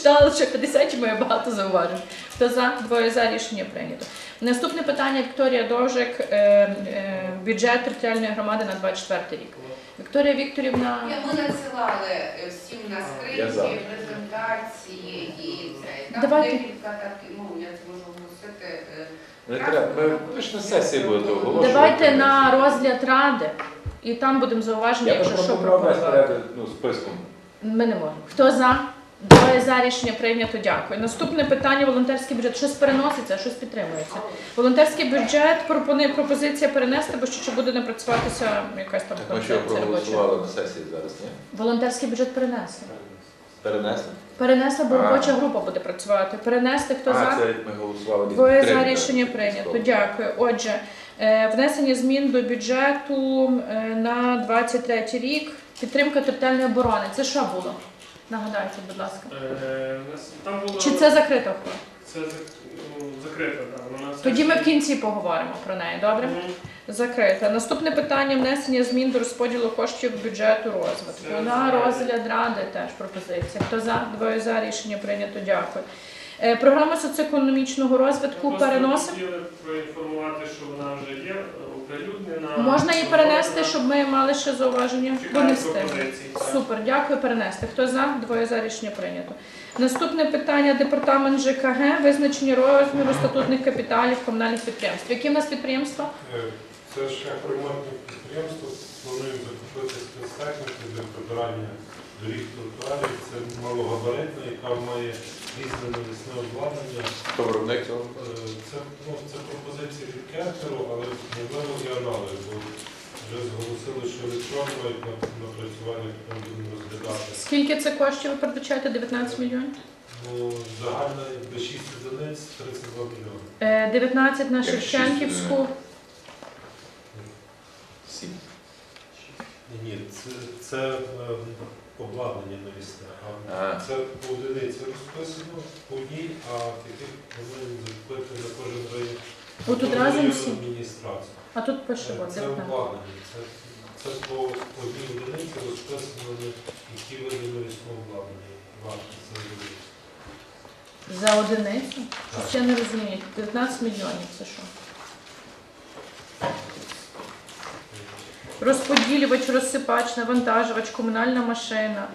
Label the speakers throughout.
Speaker 1: прочитала лише 50 і має багато зауважень. Хто за? Двоє за. Рішення прийнято. Наступне питання Вікторія Довжик. Бюджет територіальної громади на 24 рік. Вікторія Вікторівна...
Speaker 2: Ми надсилали всім на скриньки, презентації і це. Там декілька таких, я це можу оголосити.
Speaker 3: Не треба, ви ж на сесії будете оголошувати.
Speaker 1: Давайте на розгляд ради, і там будемо зауваження, якщо що пропонувати.
Speaker 3: Списком.
Speaker 1: Ми не можемо. Хто за? Двоє за. Рішення прийнято. Дякую. Наступне питання – волонтерський бюджет. Щось переноситься, щось підтримується. Волонтерський бюджет пропонує пропозиція перенести, бо ще буде не працюватися якась там концепція робоча.
Speaker 3: Ми що проголосували на сесії зараз, ні?
Speaker 1: Волонтерський бюджет перенесли.
Speaker 3: Перенесли?
Speaker 1: Перенесли, бо робоча група буде працювати. Перенести, хто за?
Speaker 3: Це ми голосували.
Speaker 1: Двоє за. Рішення прийнято. Дякую. Отже, внесення змін до бюджету на 23 рік. Підтримка територіальної оборони. Це що було? Нагадайте, будь ласка.
Speaker 4: Там було...
Speaker 1: Чи це закрита охорона?
Speaker 4: Це закрита, так.
Speaker 1: Тоді ми в кінці поговоримо про неї, добре? Закрита. Наступне питання – внесення змін до розподілу коштів бюджету розвитку. На розгляд ради теж пропозиція. Хто за? Двоє за. Рішення прийнято. Дякую. Програма соціоекономічного розвитку переносимо.
Speaker 4: Хотіли проінформувати, що вона вже є оприлюднена.
Speaker 1: Можна її перенести, щоб ми мали ще зауваження? Донести. Супер, дякую, перенести. Хто за? Двоє за. Рішення прийнято. Наступне питання – департамент ЖКГ, визначення розміру статутних капіталів комунальних підприємств. Які в нас підприємства?
Speaker 5: Це шляхоремонтне підприємство. Плануємо закупити спецтехніку для прибирання доріг тротуарів. Це малогабаритна, яка має різне навісне обладнання.
Speaker 3: Хто виробник цього?
Speaker 5: Це пропозиція від Кентеру, але можливо і аналіз, бо вже зголосили, що електронно мають напрацювання, потім будемо розглядати.
Speaker 1: Скільки це коштів ви передбачаєте? 19 мільйонів?
Speaker 5: Загальна якби 6 одиниць, 32 мільйони.
Speaker 1: 19 на Шевченківську.
Speaker 3: 7.
Speaker 5: Ні, це обладнання навісне. Це по одиниці розписано, по одній, а таких повинні закупити на кожен район.
Speaker 1: Отут разом всі?
Speaker 5: Адміністрацію.
Speaker 1: А тут пише
Speaker 5: Це
Speaker 1: 19.
Speaker 5: обладнання. Це по одній одиниці розписано, які види навісного обладнання. Вартість за одиницю.
Speaker 1: За одиницю? Щось я не розумію. 19 мільйонів це що? Розподілювач, розсипач, навантажувач, комунальна машина.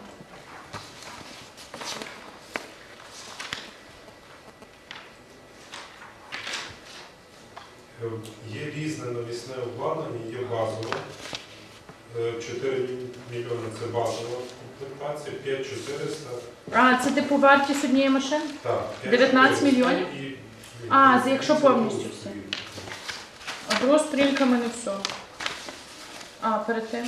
Speaker 5: Є різне навісне обладнання, є базове. 4 мільйони це базова комплектація, 5400.
Speaker 1: А, це типу вартість однієї машини?
Speaker 5: Так.
Speaker 1: 19 мільйонів? Якщо повністю все. А друга сторінка в мене все. Перед тим.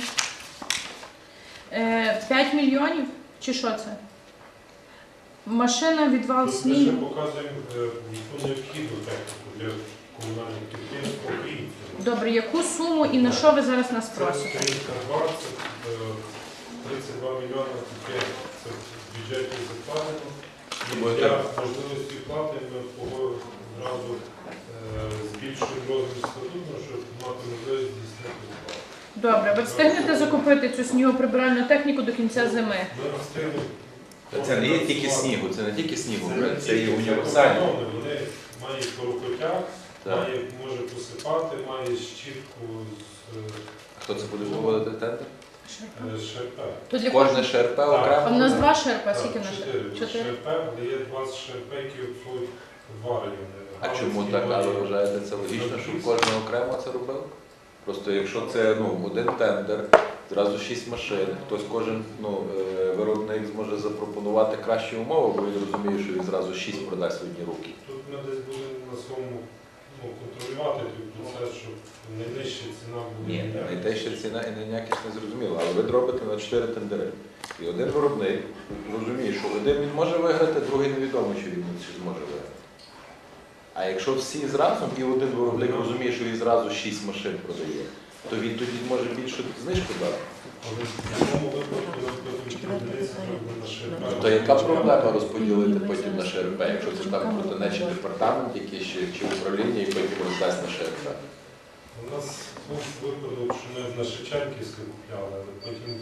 Speaker 1: 5 мільйонів? Чи що це? Машина, відвал
Speaker 5: Тут ми ще
Speaker 1: снігу.
Speaker 5: показуємо яку необхідну техніку для комунальних підприємств українців.
Speaker 1: Добре, яку суму і на що ви зараз нас
Speaker 5: Це
Speaker 1: просите?
Speaker 5: сторінка 2, це 32 мільйони таке, це в бюджеті закладено. І для можливості плати ми одразу збільшуємо розмір статуту, щоб мати можливість здійснити плату.
Speaker 1: Добре, ви встигнете закупити цю снігоприбиральну техніку до кінця зими?
Speaker 5: Ми встигнемо.
Speaker 3: Це не є тільки снігу, це не тільки снігу, це є
Speaker 5: тільки
Speaker 3: універсальне.
Speaker 5: Вони мають порукотяг, може посипати, має щітку
Speaker 3: Хто це буде виводити тендер?
Speaker 5: з ШРП.
Speaker 1: То для
Speaker 3: Кожне ШРП
Speaker 1: А в
Speaker 3: окремо?
Speaker 1: нас 2 шерпа, скільки на шерпа?
Speaker 5: 4 ШРП, де є 20 ШРП, які обслуговують 2 райони.
Speaker 3: А чому так? А ви вважаєте, це логічно, щоб кожен окремо це робив? Просто якщо це один тендер, зразу 6 машин, кожен виробник зможе запропонувати кращі умови, бо він розуміє, що він зразу 6 продасть в одні руки.
Speaker 5: Тут ми десь будемо на своєму контролювати той процес, щоб найнижча ціна була.
Speaker 3: Ні, найтежча ціна і найякість не зрозуміла, але ви робите на 4 тендери. І один виробник розуміє, що один він може виграти, другий невідомо, чи він зможе виграти. А якщо всі зразу, і один виробник розуміє, що він зразу 6 машин продає, то він тоді може більше знижку дати.
Speaker 5: Але в цьому випадку нам потім одиниці треба на ШРП.
Speaker 3: То яка проблема розподілити потім на ШРП, якщо це там протинечий департамент якийсь чи управління, і потім роздасть на
Speaker 5: У
Speaker 3: ШРП?
Speaker 5: нас був випадок, що ми на Шевченківське купляли, але потім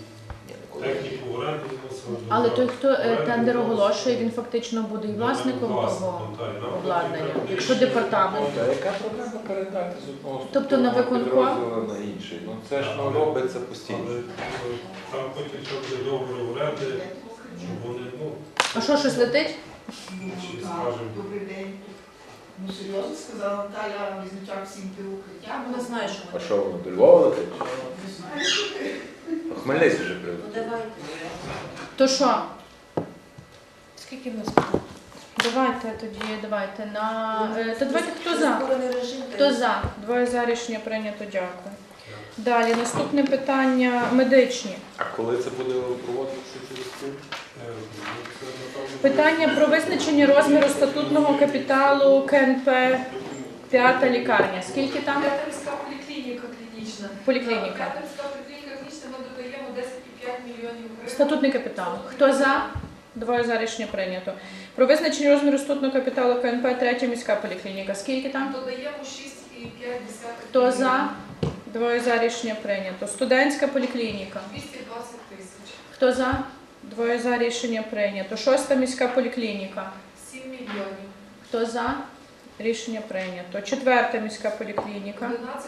Speaker 5: Техніку в оренду мусили.
Speaker 1: Але той, хто тендер оголошує, він фактично буде і власником того обладнання. Якщо департамент.
Speaker 3: А яка проблема передати з одного
Speaker 1: Тобто на виконком?
Speaker 3: підрозділу на інший? Ну це ж робиться постійно.
Speaker 5: Але там потім ще буде договір оренди, щоб вони,
Speaker 1: А що, щось летить?
Speaker 5: чи скажемо.
Speaker 2: Добрий день. Ну серйозно сказала Наталя Різничак всім укриття.
Speaker 6: Вона знає, що
Speaker 3: А
Speaker 6: вона.
Speaker 3: що, воно до Львова летить?
Speaker 2: Не знаю.
Speaker 3: Хмельницький вже прийде.
Speaker 6: Ну давайте.
Speaker 1: То що?
Speaker 6: Скільки в нас питань?
Speaker 1: Давайте на... То давайте хто за?
Speaker 6: Прискорений режим.
Speaker 1: Хто за? 2 за, рішення прийнято, дякую. Далі, наступне питання медичні.
Speaker 3: А коли це буде проводитися через тиждень?
Speaker 1: Питання про визначення розміру статутного капіталу КНП «П'ята лікарня». Скільки там?
Speaker 7: П'ятимська поліклініка клінічна.
Speaker 1: Поліклініка.
Speaker 7: П'ятимська поліклініка клінічна, ми додаємо 10,5 мільйонів гривень.
Speaker 1: Статутний капітал. Хто за? 2 за, рішення прийнято. Про визначення розміру статутного капіталу КНП «Третя міська поліклініка». Скільки там?
Speaker 7: Додаємо 6,5
Speaker 1: Хто за? 2 за, рішення прийнято. Студентська поліклініка.
Speaker 7: 220 тисяч.
Speaker 1: Хто за? 2 за, рішення прийнято. 6-та міська поліклініка.
Speaker 7: 7 мільйонів.
Speaker 1: Хто за? Рішення прийнято. 4-та міська поліклініка.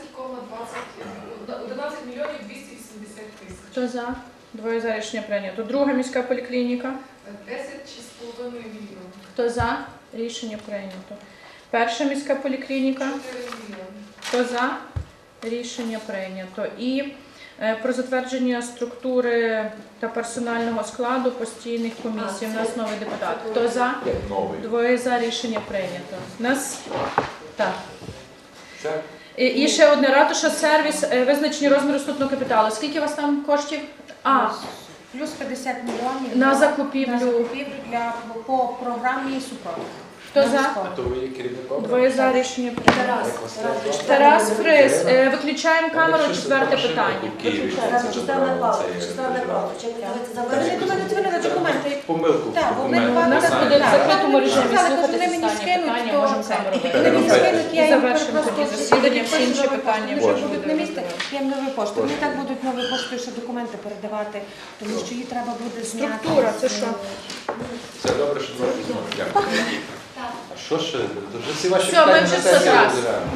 Speaker 7: 11 мільйонів 280 тисяч.
Speaker 1: Хто за? 2 за, рішення прийнято. 2-га міська поліклініка.
Speaker 7: 10,5 мільйонів.
Speaker 1: Хто за? Рішення прийнято. 1-ша міська поліклініка.
Speaker 7: 4 мільйони.
Speaker 1: Хто за? Рішення прийнято. І про затвердження структури та персонального складу постійних комісій. У нас новий депутат. Хто за?
Speaker 3: Як новий.
Speaker 1: 2 за, рішення прийнято. У нас так.
Speaker 3: Це
Speaker 1: І ще одне ратуша сервіс, визначення розміру статутного капіталу. Скільки у вас там коштів?
Speaker 6: Плюс 50 мільйонів
Speaker 1: На закупівлю.
Speaker 6: по програмі супровід.
Speaker 1: Хто за?
Speaker 3: то ви є керівником?
Speaker 1: 2 за, рішення прийнято.
Speaker 6: Тарас.
Speaker 1: Тарас Фрис, виключаємо камеру, 4-те питання.
Speaker 6: Чистана Павлович. Ви не до мене дзвонили документи.
Speaker 3: Помилку.
Speaker 6: Так, вони
Speaker 1: У нас буде в закритому режимі
Speaker 6: Сказали,
Speaker 1: слухати
Speaker 6: коли мені
Speaker 1: останнє
Speaker 6: скинуть,
Speaker 1: питання,
Speaker 6: то
Speaker 1: можемо саме робити.
Speaker 6: Коли мені скинуть, я
Speaker 1: І
Speaker 6: їм
Speaker 1: завершимо
Speaker 6: просто
Speaker 1: тоді засідання, всі інші
Speaker 6: новою
Speaker 1: питання
Speaker 6: поштою.
Speaker 1: вже
Speaker 6: Вони
Speaker 1: будуть
Speaker 6: на місці,
Speaker 1: розглянути.
Speaker 6: я їм новою поштою. Вони так будуть новою поштою ще документи передавати, тому що її треба буде зняти.
Speaker 1: Структура, це що?
Speaker 3: Це добре, що ви. Дякую. А що ще? То вже всі ваші
Speaker 1: Все, ми
Speaker 3: питання
Speaker 1: вже
Speaker 3: на сесії
Speaker 1: 100 раз.
Speaker 3: розглянули.